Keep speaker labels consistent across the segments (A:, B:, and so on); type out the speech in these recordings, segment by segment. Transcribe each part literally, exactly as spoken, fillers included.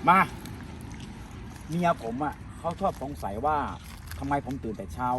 A: มาเมียผมอ่ะเขาชอบสงสัยว่าทำไมผมตื่นแต่เช้า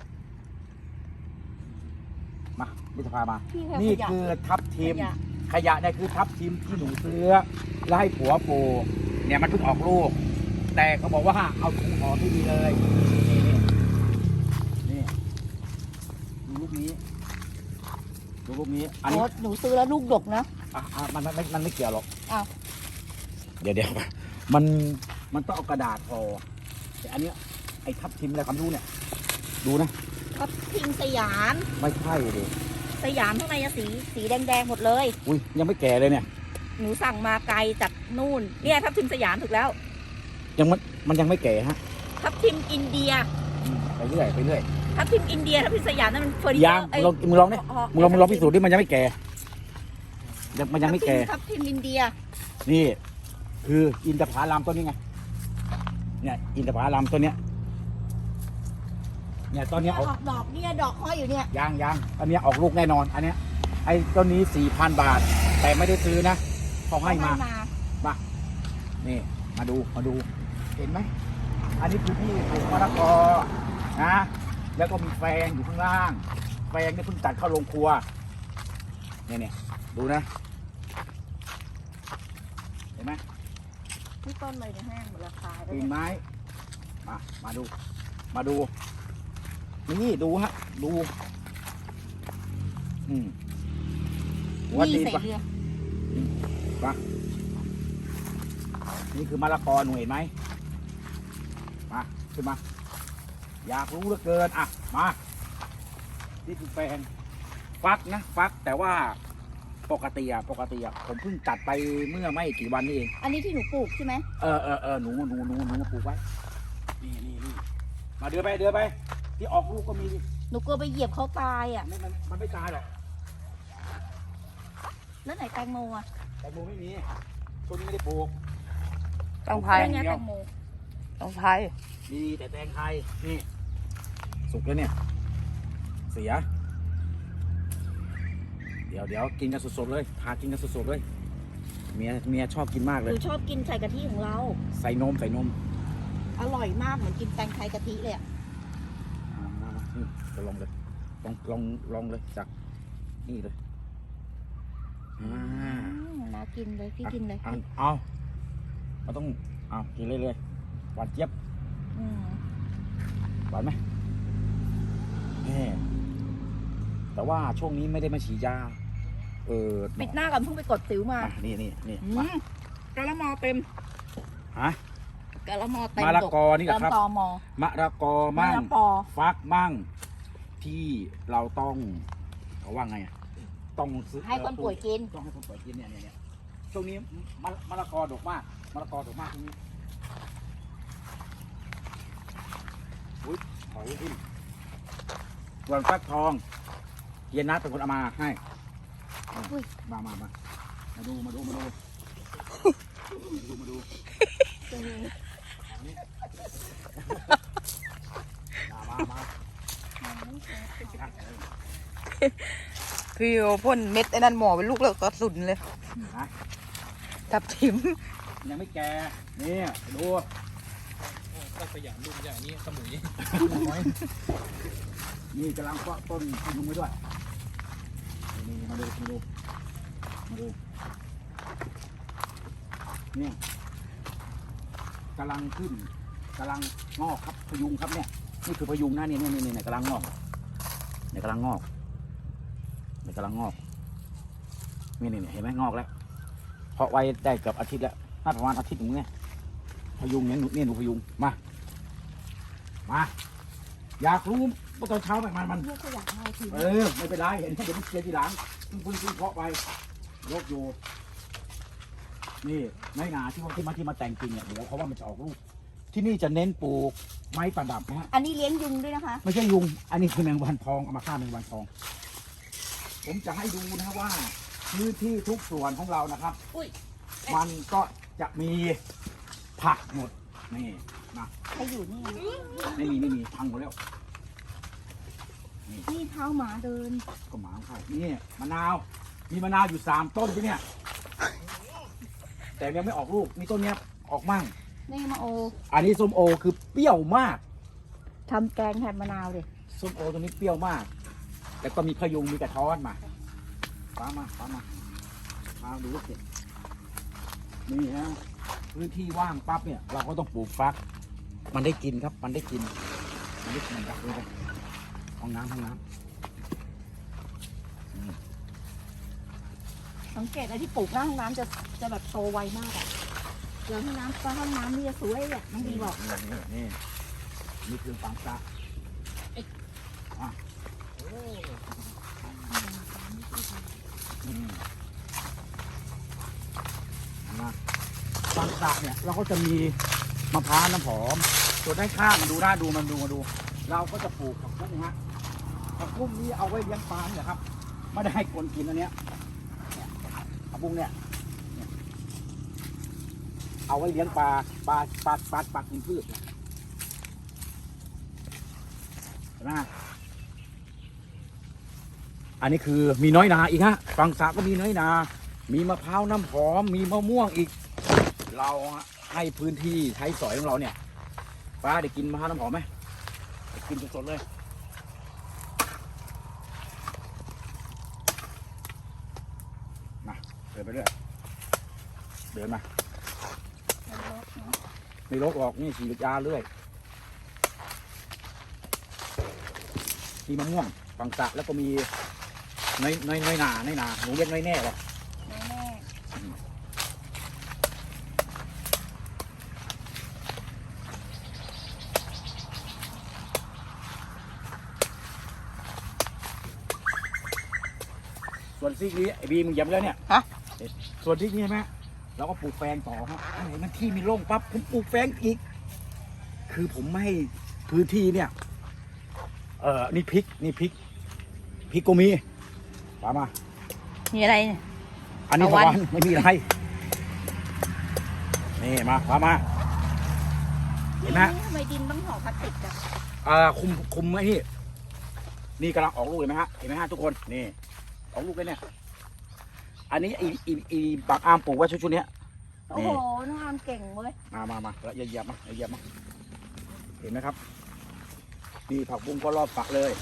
A: มามิตรภามานี่คือทับทิมขยะเนี่ยคือทับทิมที่หนูซื้อแล้วให้ผัวปลูกเนี่ยมันเพิ่งออกลูกแต่เขาบอกว่าเอาถุงห่อที่ดีเลยนี่นี่ดูลูกนี้ดูลูกนี้อันนี้
B: หนูซื้อแล้วลูกดกนะ
A: อ่ะอ่ะมันมันมันไม่เกี่ยวหรอก
B: อ้าว
A: เดี๋ยวเดี๋ยวมันมันต้องเอากระดาษห่อแต่อันนี้ไอ้ทับทิมอะไรความรู้เนี่ยดูนะ
B: ทับทิมสยาม
A: ไม่ใช่เลย
B: สยามข้างในสีสีแดงๆหมดเลย
A: อุ้ยยังไม่แก่เลยเนี่ย
B: หนูสั่งมาไกลจากนู่นเนี่ยทับทิมสยามถูกแล้ว
A: ยังมันมันยังไม่แก่ฮะ
B: ทับทิมอินเดีย
A: ไปเรื่อยไปเรื่อย
B: ทับทิมอินเดียทับทิมสยามนั่นมันเฟอร์นิเจอร์
A: ยังมึงลองมึงลองดิมึงลองมึงลองพิสูจน์ดิมันยังไม่แก่ยังมันยังไม่แก่
B: ทับทิมอินเดีย
A: นี่คืออินทผลัมต้นนี้ไงเนี่ยอินทผลัมต้นเนี้ยเนี่ยต้นนี้ออก
B: ดอกเนี่ยดอกห้อยอยู่เนี่ย
A: ยังยังอันนี้ออกลูกแน่นอนอันเนี้ยไอ้ต้นนี้สี่พันบาทแต่ไม่ได้ซื้อนะเขาให้มามานี่มาดูมาดูเห็นไหมอันนี้คือที่ปลูกมะละกอนะแล้วก็มีแฟงอยู่ข้างล่างแฟงนี่เพิ่งตัดเข้าโรงครัวเนี่ยเนี่ยดูนะเห็นไหม
B: ที่ต้นเลยเนี่ยแห้งหมดราคา
A: ปีนไม้มามาดูมาดูนี่ดูฮะดูอืม
B: วัดดีปะ
A: ปะนี่คือมะละกอหนูเห็นไหมมาขึ้นมาอยากรู้เหลือเกินอ่ะมานี่คือแฟนฟักนะฟักแต่ว่าปกติอะปกติอะผมเพิ่งตัดไปเมื่อไม่กี่วันนี้เอง
B: อันนี้ที่หนูปลูกใช่ไหม
A: เออเออเออหนูหนูหนูหนูปลูกไว้นี่นี่นี่มาเดือไปเดือไปที่ออกลูกก็มี
B: หนูกลัวไปเหยียบเขาตายอ่ะ
A: มันมันไม่ตายหรอก
B: แล้วไหนแตงโมอ่ะ
A: แตงโมไม่มีต้นนี้ไม่ได้ปลูก
B: ต้องพายแตงโมต้องพาย
A: ดีแต่แตงไทยนี่สุกแล้วเนี่ยเสียเดี๋ยวเดี๋ยวกินกันสดๆเลยพากินกันสดๆเลยเมียเมียชอบกินมากเลย
B: หนูชอบกินใส่กะทิของเรา
A: ใส่นมใส่นม
B: อร่อยมากเหมือนกินแตงไทยกะทิเลยอ่ะ
A: จะลองเลยลองลองลองเลยจากนี่เลย
B: อ่าน่ากินเลยพี่กินเลย
A: เอาเราต้องเอากินเลยเลยหวานเจี๊ยบหวานไหมนี่แต่ว่าช่วงนี้ไม่ได้มาฉีดยาเออ
B: ปิดหน้าก่อนเพิ่งไปกดสิวมา
A: นี่นี่นี่
B: กะละมอเต็ม
A: ฮะ
B: กะละมอเต็ม
A: มะละกอนี่ครับมะละกอมั่งฟักมั่งที่เราต้องเขาว่าไงอ่ะต้องซื้อ
B: ให้คนป่วยกิน
A: ต้องให้คนป่วยกินเนี่ยเนี่ยช่วงนี้มะมะละกอดกมากมะละกอดกมากช่วงนี้อุ้ยหอยขึ้นส่วนฟักทองเย็นนัดเป็นคนเอามาให้มามามามาดูมาดูมาดูมาดูมาดูมามา
B: พี่โอพ่นเม็ดไอ้นั่นหมอเป็นลูกแล้วก็สุดเลยทับทิม
A: ยังไม่แก่นี่ดู
C: ก็สยามรุ่นอย่างนี้สมุย
A: นี่กำลังเพาะต้นพยุงไว้ด้วยนี่มาดูมาดูมาดูนี่กำลังขึ้นกำลังงอกครับพยุงครับเนี่ยนี่คือพยุงนะนี่นี่นี่นี่กำลังงอกเนี่ยกำลังงอกเนี่ยกำลังงอกนี่นี่เห็นไหมงอกแล้วเพาะไว้ได้เกือบอาทิตย์แล้วน่าประมาณอาทิตย์หนึ่งเนี่ยพยุงเนี่ยหนูเนี่ยหนูพยุงมามาอยากรู้ว่าตอนเช้าแบบมันมันเออไม่เป็นไรเห็นเดี๋ยวเชียร์ทีหลังเพิ่งเพิ่งเพาะไปยกอยู่นี่ไม้หนาที่ว่าที่มาที่มาแต่งจริงเนี่ยเดี๋ยวเขาว่ามันจะออกลูกที่นี่จะเน้นปลูกไม้ประดับนะฮะ
B: อันนี้เลี้ยงยุงด้วยนะคะ
A: ไม่ใช่ยุงอันนี้คือแมงวันทองเอามาฆ่าแมงวันทองผมจะให้ดูนะว่าพื้นที่ทุกส่วนของเรานะครับมันก็จะมีผักหมดนี่นะ
B: ใครอยู่นี่
A: ไม่มีไม่มีพังหมดแล้ว
B: นี่เท้าหมาเดิน
A: ก็หมาใครนี่มะนาวมีมะนาวอยู่สามต้นที่เนี่ยแต่ยังไม่ออกลูกมีต้นเนี้ยออกมั่ง
D: นี่มาโอ
A: อันนี้ส้มโอคือเปรี้ยวมาก
D: ทำแกงแทนมะนาวดิ
A: ส้มโอตัวนี้เปรี้ยวมากแล้วก็มีพยุงมีกระท้อนมาฟ้ามาฟ้ามามาดูลูกเห็ดนี่ฮะพื้นที่ว่างปั๊บเนี่ยเราก็ต้องปลูกฟัก มันได้กินครับมันได้กินมันได้กินครับดูไปห้องน้ำห้องน้ำ
D: สังเกตไอ้ที่ปลูกหน้าห้องน้ำจะจะแบบโตไวมากอะเดี๋ยวห้องน้ำก็ห้องน้ำนี่จะสวยอ่ะน้องบีบอก
A: นี่นี่นี่นี่คือฟังซะอ่ะอืมนะฟังซะเนี่ยเราก็จะมีมะพร้าวน้ำหอมส่วนด้านข้างมันดูน่าดูมันดูมาดู เราก็จะปลูกผักบุ้งฮะผักบุ้งนี้เอาไว้เลี้ยงปลาเนี่ยครับไม่ได้ให้คนกินอันเนี้ยเนี่ยผักบุ้งเนี่ยเนี่ยเอาไว้เลี้ยงปลาปลาปลาปลาปลากินพืชเนี่ยเห็นไหมอันนี้คือมีน้อยนาอีกฮะฝั่งสระก็มีน้อยนา มีมะพร้าวน้ำหอมมีมะม่วงอีก เราให้พื้นที่ใช้สอยของเราเนี่ยป้าได้กินมะพร้าวน้ำหอมไหมได้กินสดๆเลยมาเดินไปเรื่อยเดินมาไม่รกหรอกนี่ฉีดยาเรื่อยมีมะม่วงฝั่งสระแล้วก็มีน้อยน้อยน้อยหนาน้อยหนาหนูเรียกน้อยแน่หรอ
D: แน่
A: ส่วนซีกนี้ไอ้บีมึงเหยียบแล้วเนี่ย
B: ฮะ
A: ส่วนซีกนี้ใช่ไหมเราก็ปลูกแฟงต่อครับอันไหนมันที่มีร่องปั๊บผมปลูกแฟงอีก คือผมไม่ให้พื้นที่เนี่ย เออนี่พริกนี่พริกพริกก็มีปามา
B: มีอะไรเนี่ย
A: อันนี้
B: ตะ
A: ตะ
B: วัน
A: วันไม่มีอะไรนี่มาปามา
D: ๆ
A: เห็นไหม
D: นี่ทำไมดินต้องห่อพลาสติกอะ
A: อ่าคุมคุมไอ้นี่นี่กำลังออกลูกเห็นไหมฮะเห็นไหมฮะทุกคนนี่ออกลูกเลยเนี่ยอันนี้อีอีอีปากอามปลูกไว้ชุดๆเนี้ย
D: โอ้โหน้องอามเก่งเว้ย
A: มามามาแล้วเหยียบมาเหยียบมาเห็นไหมครับนี่ผักบุ้งก็รอบฝักเลย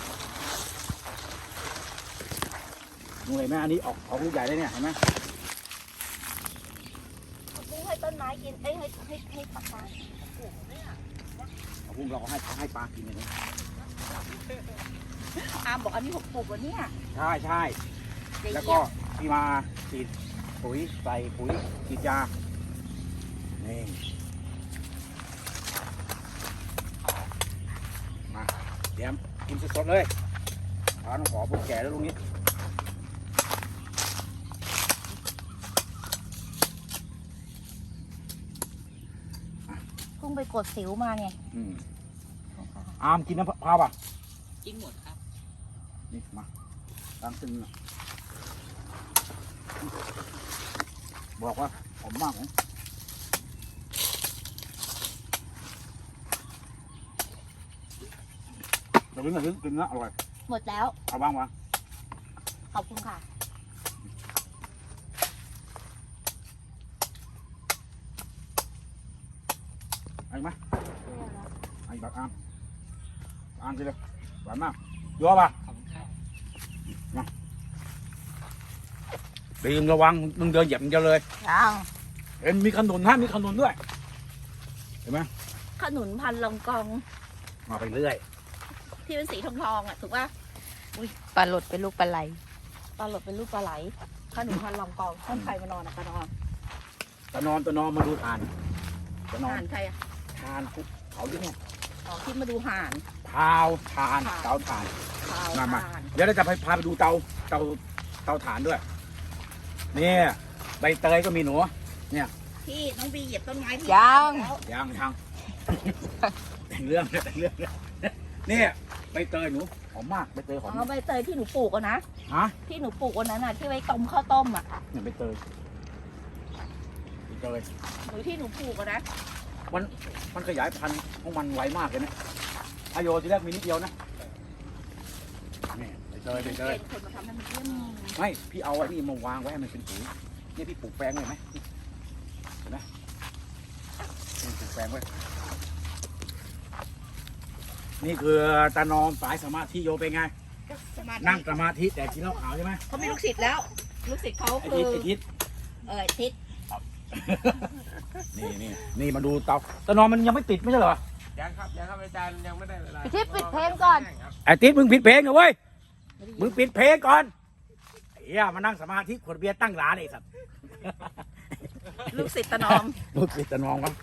A: นูเห็นไหมอันนี้ออกออกลูกใหญ่เลยเนี่ยเห็นไหม
D: ปุ้งให้ต้นไม้กินเอ้ยให้ให้ให้ปลาปลา
A: ผักบุ้งเราก็ให้ให้ปลากินอย่างนี้
D: อามบอกอันนี้ผมปลูกวันเนี้ย
A: ใช่ใช่
D: เดี๋ย
A: แล้ว
D: เหยี
A: ก็
D: ยบ
A: ที่มาฉีดปุ๋ยใส่ปุ๋ยฉีดยานี่มาเดี๋ยวกินสดๆเลยเอาน้ำขอพวกแก่แล้วลุงนี้
D: เพิ่งไปกดสิวมาไง
A: อืมอามกินน้ำมะพร้าวป่ะ
C: กินหมดครับ
A: นี่มาตั้งซึ่งนะบอกว่าหอมมากของเดี๋ยวลึกหน่อยลึกกินนะอร่อย
D: หมดแล้ว
A: เอาบ้างวะ
D: ขอบคุณค่ะ
A: ไอ้ไหมไอ้บักอามอามกินเลยหวานมากเยอะป่ะ
C: ขอบคุณครับ
A: ดีมระวังมึงเดินเหยียบมึงจะเลย
B: ยัง
A: เอ็มมีขนุนฮะมีขนุนด้วยเห็นไหม
D: ขนุนพันลองกอง
A: มาไปเรื่อย
D: ที่เป็นสีทองทองๆอ่ะถูกป่ะ
B: ปลาหลดเป็นลูกปลาไหล
D: ปลาหลดเป็นรูปปลาไหลขนุนพันลองกองต้นใครมานอนอ่ะปลานอน
A: ตะนอนตะนอนมาดูทานตะนอน
D: ห่านใครอ่ะ
A: ทานคุกเขาที่เนี่ย
D: อ๋อที่มาดูห่าน
A: พาวทาน
D: ทาน
A: เตาถ่าน
D: ขาว
A: มามา
D: ห่าน
A: เดี๋ยวเราจะไปพาไปดูเตาเตาเตาถ่านด้วยเนี่ยใบเตยก็มีหนู
D: ที่น้องบีเหยียบต้นไม้ที่
B: ยัง
D: แล้ว
A: ยังยัง แต่งเรื่องแต่งเรื่องเนี่ยใบเตยหนูหอมมากใบเตยหอ
D: อ๋
A: ม
D: อใบเตยที่หนูปลูกอะนะ
A: ฮะ
D: ที่หนูปลูกวันนั้นน่ะที่ไว้ต้มข้าวต้มอ่ะ
A: เนี่ยใบเตยใบเตย
D: หรือที่หนูปลูกอะนะ
A: มันมันขยายพันธุ์ของมันไวมากเลยนะอโยทีแรกมีนิดเดียวนะนี่ใบเตยใบเตย
D: เป็นคนมาทำให้มันเยี่ยม
A: ไม่พี่เอาไอ้นี่มาวางไว้ให้มันเป็นปุ๋ยเนี่ยพี่ปลูกแปลงเลยไหมเห็นไหมแฝงไว้นี่คือตานอมสายสมาธิโยเป็นไง
D: สมาธิ
A: นั่งสมาธิแต่กินเหล้าขาวใช่ไหม
D: เขามีลูกศิษย์แล้ว ลูกศิษย์เขา
A: ไอ้
D: คื
A: ทิศ
D: อ
A: ไอ้ทิศ
D: เออทิศ
A: นี่นี่นี่มาดูเตาตานอมมันยังไม่ติดไม่ใช่เหรอ
C: ยังครับยังครับอาจารย์ยังไม่ได้เวลา
D: พี่ทิพย์ปิดเพลงก่อน
A: ไอ้ทิศมึงปิดเพลงเหรอเว้ยมึงปิดเพลงก่อนเฮียมานั่งสมาธิขวดเบียร์ตั้งร้านไอ้สัตว์
D: ลูกศิษย์ตะนอม
A: ลูกศิษย์ตานอมครับ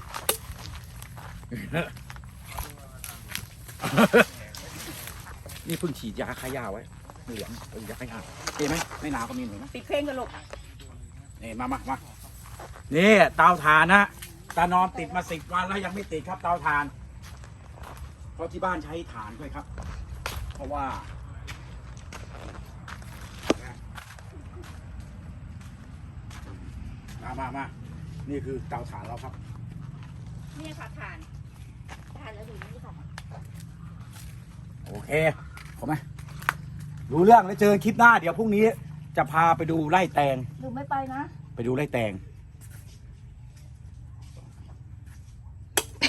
A: นี่เพิ่งฉีดยาฆ่าหญ้าไว้เหลืองเพิ่งยาฆ่าหญ้าเห็นไหมไม่หนาวก็มีหน่อยนะ
D: ปิดเพลงกันลูก
A: นี่มามามานี่เตาถ่านนะตานอมติดมาสิบวันแล้วยังไม่ติดครับเตาถ่าน เพราะที่บ้านใช้ถ่านด้วยครับ เพราะว่ามามามานี่คือเตาถ่านเราครับ
D: นี่ค่ะทานทานแล้วดูนี่ค่ะ
A: โอเคขอไหมรู้เรื่องแล้วเจอคลิปหน้า เดี๋ยวพรุ่งนี้จะพาไปดูไร่แตง
D: ดูไม่ไปนะ
A: ไปดูไร่แตง